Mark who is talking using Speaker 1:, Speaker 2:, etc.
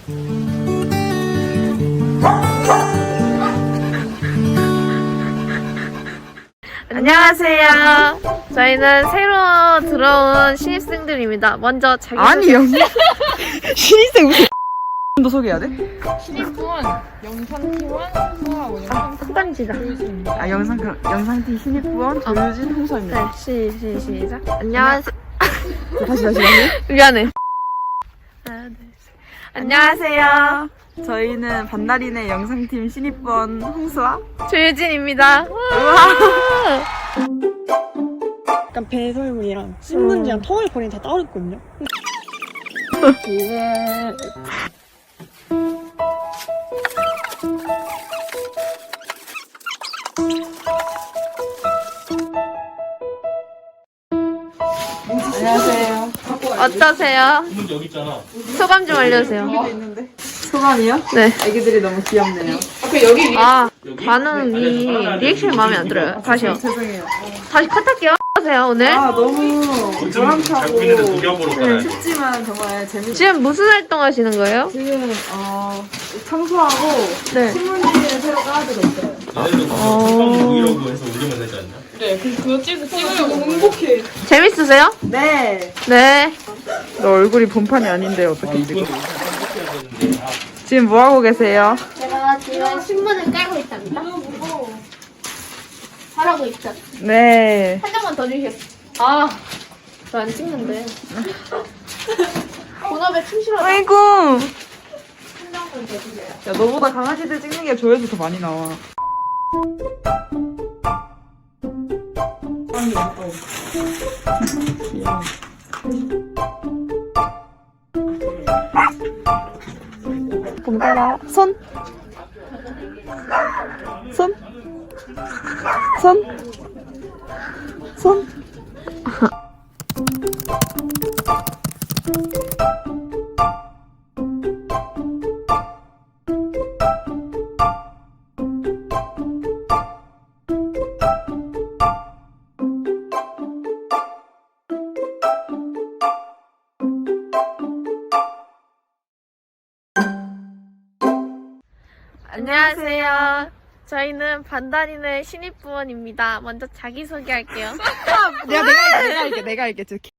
Speaker 1: 안녕하세요. 저희는 새로 들어온 신입생들입니다. 먼저 자기소개.
Speaker 2: 아니요. 신입생 무슨 도 소개해야 돼?
Speaker 3: 신입부원, 영상팀원, 홍수하고
Speaker 1: 큰 시작.
Speaker 2: 아 영상팀 신입부원 조유진 홍서입니다.
Speaker 1: 네, 시작. 안녕하세요.
Speaker 2: 다시.
Speaker 1: 미안해. 하나, 둘, 셋. 안녕하세요.
Speaker 2: 저희는 반달인의 영상팀 신입부원 홍수아.
Speaker 1: 조유진입니다.
Speaker 3: 약간 배설물이랑 신문지랑 터널거리는 다 따로 있거든요.
Speaker 2: 안녕하세요.
Speaker 1: 어떠세요?
Speaker 4: 여기 있잖아.
Speaker 1: 소감 좀 알려주세요.
Speaker 2: 소감이요?
Speaker 1: 네.
Speaker 2: 애기들이 너무 귀엽네요.
Speaker 1: 아, 반응이 리액션이 마음에 안 들어요. 다시요.
Speaker 2: 죄송해요.
Speaker 1: 다시 컷할게요. 어떠세요, 오늘?
Speaker 2: 아 너무 보람차고
Speaker 4: 작품인데도 녹여보러 가야
Speaker 2: 춥지만 정말 재밌어요.
Speaker 1: 지금 무슨 활동 하시는 거예요?
Speaker 2: 지금 청소하고
Speaker 1: 네.
Speaker 2: 신문지를 새로 깔아드렸어요.
Speaker 4: 얘네도 방 브이로그 해서 올리면 되지 않냐?
Speaker 3: 그거 찍으려고 행복해.
Speaker 1: 재밌으세요?
Speaker 2: 네.
Speaker 1: 네.
Speaker 2: 너 얼굴이 본판이 아닌데 어떻게 지금? 지금 뭐 하고 계세요?
Speaker 5: 제가 지금 신문을 깔고 있답니다. 잘하고 있죠.
Speaker 2: 네.
Speaker 5: 한 장만 더 주시겠어요? 아, 저 안 찍는데. 본업에 충실하다.
Speaker 2: 아이고.
Speaker 5: 한 장만 더 주세요.
Speaker 2: 야 너보다 강아지들 찍는 게 조회수 더 많이 나와. 봄따라 손. 손. 손. 손.
Speaker 1: 안녕하세요. 저희는 반달인의 신입부원입니다. 먼저 자기소개할게요.
Speaker 2: 내가 할게.